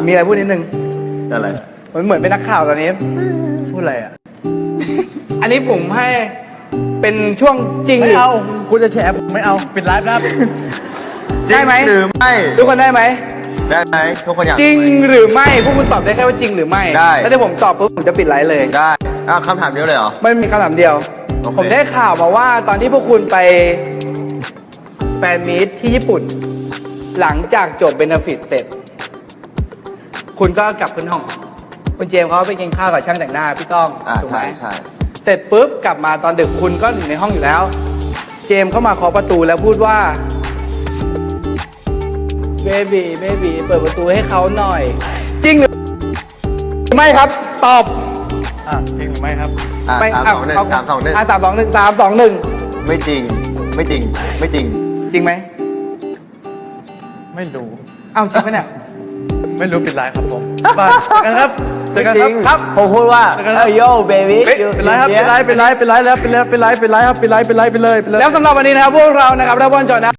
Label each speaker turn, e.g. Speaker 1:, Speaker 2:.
Speaker 1: มีอะไรพูดนิดนึง
Speaker 2: อะไร
Speaker 1: เหมือนเป็นนักข่าวตอนนี้ พูดอะไรอ่ะ อันนี้ผมให้เป็นช่วงจริง
Speaker 3: ไม่เอาคุณจะแฉผมไม่เอาปิดไลฟ์นะครับ
Speaker 1: ได้ไหม
Speaker 2: หรือไม่
Speaker 1: ทุกคนได้ไหม
Speaker 2: ได้ไหมทุกคนอยาก
Speaker 1: จริงหรือไม่พวกคุณตอบได้แค่ว่าจริงหรือไม่
Speaker 2: ได้
Speaker 1: แล้วถ้าผมตอบปุ๊บผมจะปิดไลฟ์เลย
Speaker 2: ได้คำถามเดียวเลยเหรอ
Speaker 1: ไม่มีคำถามเดียว
Speaker 2: โอเค
Speaker 1: ผมได้ข่าวมาว่าตอนที่พวกคุณไปแฟนมีตที่ญี่ปุ่น หลังจากจบเบนฟิตเสร็จ คุณก็กลับขึ้นห้อง คุณเจมส์เขาไปกินข้าวกับช่างแต่งหน้าพี่ต้องถูกไหม
Speaker 2: ใช่
Speaker 1: เสร็จปุ๊บกลับมาตอนดึกคุณก็อยู่ในห้องอยู่แล้ว เจมส์เข้ามาเคาะประตูแล้วพูดว่าเบบีเปิดประตูให้เขาหน่อย จริงหรือไม่ครับ ตอบ
Speaker 3: จริงหรือไม่ครับ
Speaker 1: ไม่
Speaker 2: 3 2 1 3 2 1
Speaker 1: 3 2 1 3 2 1
Speaker 2: ไม่จริง ไม่จริง ไม่จริง
Speaker 1: จริงไหม
Speaker 3: ไม่รู้
Speaker 1: อ้าวจริงไหมเนี่ย
Speaker 3: ไม่รู้ปิดไลฟ์ครับผมบายเจอกันครับเจอกัน
Speaker 2: จ
Speaker 3: ค
Speaker 2: ริ
Speaker 3: รับ
Speaker 2: ง
Speaker 1: ครับ
Speaker 2: ผมพูดว่า
Speaker 3: เจอกันครับ
Speaker 2: โยเบบี้
Speaker 3: เป็นไรครับเป็นไรแล้วเป็นไรครับเป็นไรครับเป็นไรเป็นไรเป็นไรเป็นไรไปเลย
Speaker 1: แล้วสำหรับวันนี้นะครับพวกเรานะครับรับวันจอนะ